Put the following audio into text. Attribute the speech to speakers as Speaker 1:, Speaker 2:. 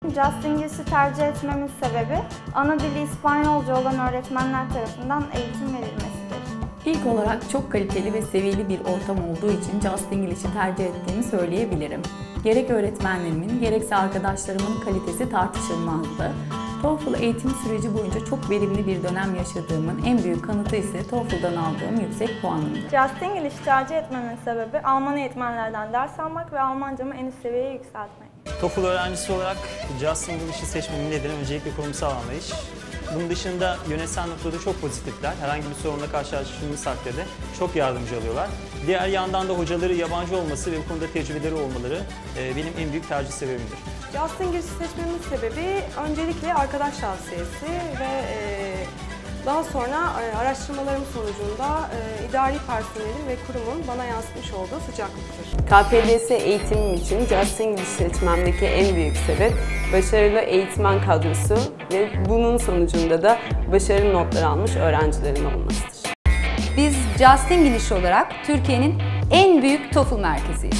Speaker 1: Just English'i tercih etmemin sebebi, ana dili İspanyolca olan öğretmenler tarafından eğitim verilmesidir.
Speaker 2: İlk olarak çok kaliteli ve seviyeli bir ortam olduğu için Just English'i tercih ettiğimi söyleyebilirim. Gerek öğretmenlerimin, gerekse arkadaşlarımın kalitesi tartışılmazdı. TOEFL eğitim süreci boyunca çok verimli bir dönem yaşadığımın en büyük kanıtı ise TOEFL'dan aldığım yüksek puanımdı.
Speaker 3: Just English'i tercih etmemin sebebi Alman eğitmenlerden ders almak ve Almancamı en üst seviyeye yükseltmek.
Speaker 4: TOEFL öğrencisi olarak Just English'i seçmemin nedeni öncelikle kurumsal anlayış. Bunun dışında yönetsel noktada çok pozitifler. Herhangi bir sorunla karşılaştığımız takdirde çok yardımcı oluyorlar. Diğer yandan da hocaları yabancı olması ve bu konuda tecrübeleri olmaları benim en büyük tercih sebebimdir.
Speaker 5: Just English'i seçmemin sebebi öncelikle arkadaş tavsiyesi ve daha sonra araştırmalarım sonucunda idari personelin ve kurumun bana yansıtmış olduğu sıcaklıktır.
Speaker 6: KPDS eğitimim için Just English seçmemdeki en büyük sebep başarılı eğitmen kadrosu ve bunun sonucunda da başarılı notlar almış öğrencilerin olmasıdır.
Speaker 7: Biz Just English olarak Türkiye'nin en büyük TOEFL merkeziyiz.